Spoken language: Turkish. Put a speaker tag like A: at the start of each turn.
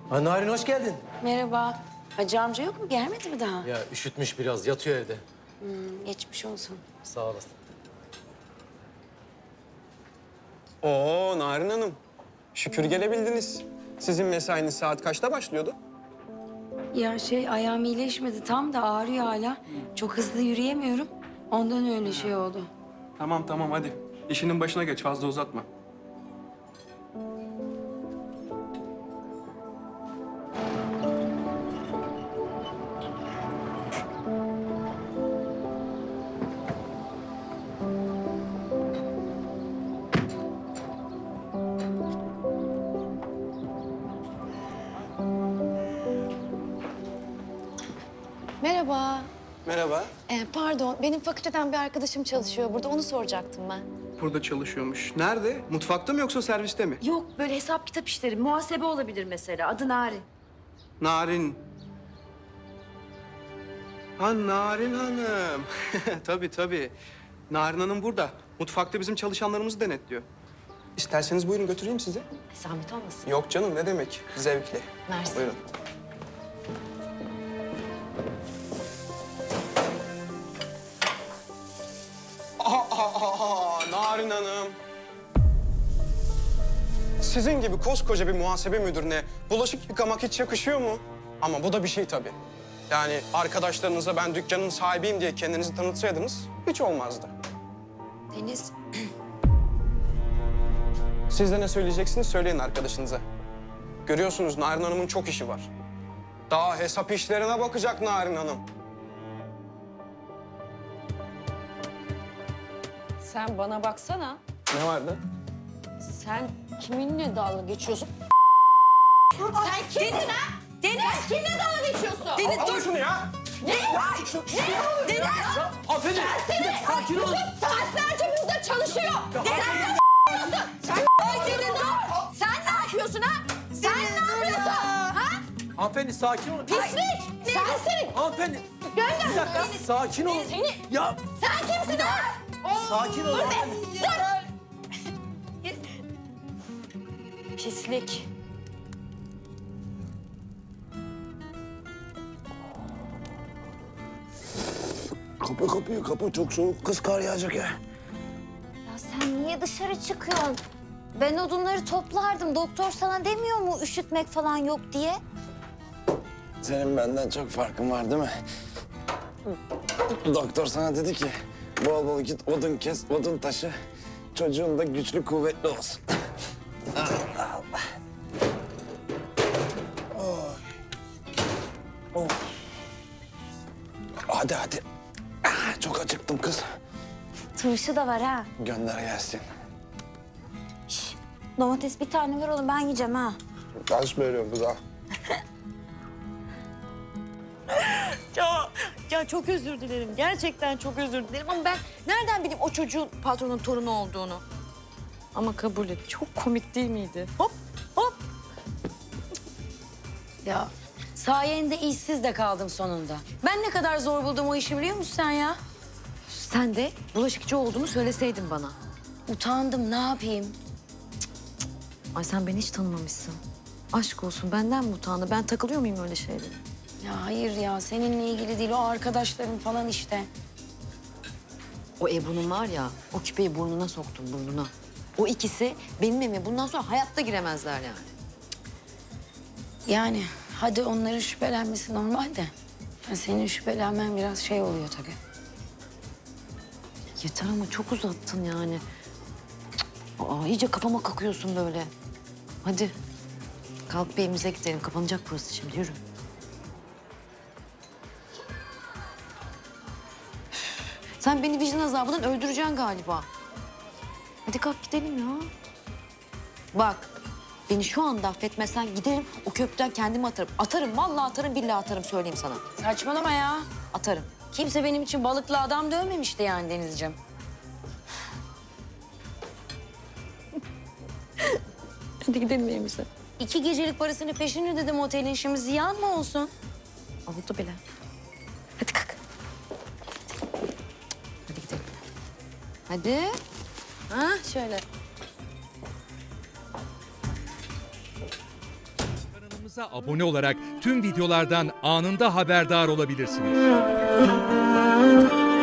A: Narin hoş geldin.
B: Merhaba. Hacı amca yok mu? Gelmedi mi daha?
A: Ya üşütmüş biraz, yatıyor evde.
B: Geçmiş olsun.
A: Sağ olasın.
C: Oo Narin Hanım. Şükür gelebildiniz. Sizin mesainiz saat kaçta başlıyordu?
B: Ya ayağım iyileşmedi tam da ağrıyor hala. Çok hızlı yürüyemiyorum. Ondan öyle şey oldu.
C: Tamam hadi. İşinin başına geç fazla uzatma.
D: Merhaba.
C: Merhaba.
D: Pardon, benim fakülteden bir arkadaşım çalışıyor burada. Onu soracaktım ben.
C: Burada çalışıyormuş. Nerede? Mutfakta mı yoksa serviste mi?
E: Yok böyle hesap kitap işleri, muhasebe olabilir mesela. Adı Narin.
C: Narin. Ha Narin Hanım. Tabii. Narin Hanım burada. Mutfakta bizim çalışanlarımızı denetliyor. İsterseniz buyurun götüreyim sizi.
E: Zahmet olmasın.
C: Yok canım ne demek? Zevkle.
D: Mersi.
C: Buyurun. Narin Hanım. Sizin gibi koskoca bir muhasebe müdürüne bulaşık yıkamak hiç yakışıyor mu? Ama bu da bir şey tabii. Yani arkadaşlarınıza ben dükkanın sahibiyim diye kendinizi tanıtsaydınız hiç olmazdı.
B: Deniz,
C: Siz de ne söyleyeceksiniz söyleyin arkadaşınıza. Görüyorsunuz Narin Hanım'ın çok işi var. Daha hesap işlerine bakacak Narin Hanım.
E: Sen bana baksana.
C: Ne vardı?
E: Sen kiminle dalga geçiyorsun? Sen kimsin ha? Deniz! Sen kimle dalga geçiyorsun? Deniz
C: Alın şunu ya!
E: Ne? Deniz!
A: Hanımefendi, sakin olun.
E: Saatlerce burada çalışıyor. Deniz ne yapıyorsun? Ay Deniz dur! Sen ne yapıyorsun ha? Sen ne yapıyorsun? Ha?
A: Hanımefendi sakin olun.
E: Pislik! Sensin!
A: Hanımefendi,
E: Gönder!
A: bir dakika, sakin olun.
E: Seni...
A: Ya,
E: Sen kimsin ha?
A: sakin olun.
E: Dur be! Dur! Pislik.
F: Kapı kapıyı kapı çok soğuk kız kar yağacak ya.
G: Ya sen niye dışarı çıkıyorsun? Ben odunları toplardım. Doktor sana demiyor mu üşütmek falan yok diye?
F: Senin benden çok farkın var değil mi? Doktor sana dedi ki bol bol git odun kes, odun taşı. Çocuğun da güçlü kuvvetli olsun. Allah Allah. Oh. Oh. Hadi. Çok acıktım kız.
G: Turşu da var ha.
F: Gönder gelsin.
G: Domates bir tane ver oğlum ben yiyeceğim ha.
F: Kaç veriyorum kız ha?
E: Ya çok özür dilerim. Gerçekten çok özür dilerim ama ben nereden bileyim o çocuğun patronun torunu olduğunu? Ama kabul et. Çok komik değil miydi? Hop hop.
B: ya sayende işsiz de kaldım sonunda. Ben ne kadar zor buldum o işi biliyor musun sen ya?
E: Sen de bulaşıkçı olduğunu söyleseydin bana.
B: Utandım, ne yapayım?
E: Ay sen beni hiç tanımamışsın. Aşk olsun benden mi utandı? Ben takılıyor muyum öyle şeylere?
B: Ya hayır ya, seninle ilgili değil, o arkadaşlarım falan işte.
E: O Ebru'nun var ya, o küpeyi burnuna soktum burnuna. O ikisi benim evime bundan sonra hayatta giremezler yani.
B: Yani hadi onların şüphelenmesi normal de. Ya senin şüphelenmen biraz oluyor tabii.
E: Yeter ama çok uzattın yani. Aa, iyice kafama kakıyorsun böyle. Hadi kalk bir evimize gidelim. Kapanacak burası şimdi, yürü. Sen beni vicdan azabından öldüreceksin galiba. Hadi kalk gidelim ya. Bak, beni şu anda affetmezsen giderim o köprüden kendimi atarım. Atarım, vallahi atarım, billahi atarım söyleyeyim sana.
B: Saçmalama ya.
E: Atarım.
B: Kimse benim için balıklı adam dövmemişti yani Denizciğim.
E: Hadi gidelim evimize.
B: 2 gecelik parasını peşin ödedim otelin, şimdi ziyan mı olsun?
E: Oldu bile. Hadi kalk. Hadi gidelim. Hadi. Ha şöyle.
H: Kanalımıza abone olarak tüm videolardan anında haberdar olabilirsiniz.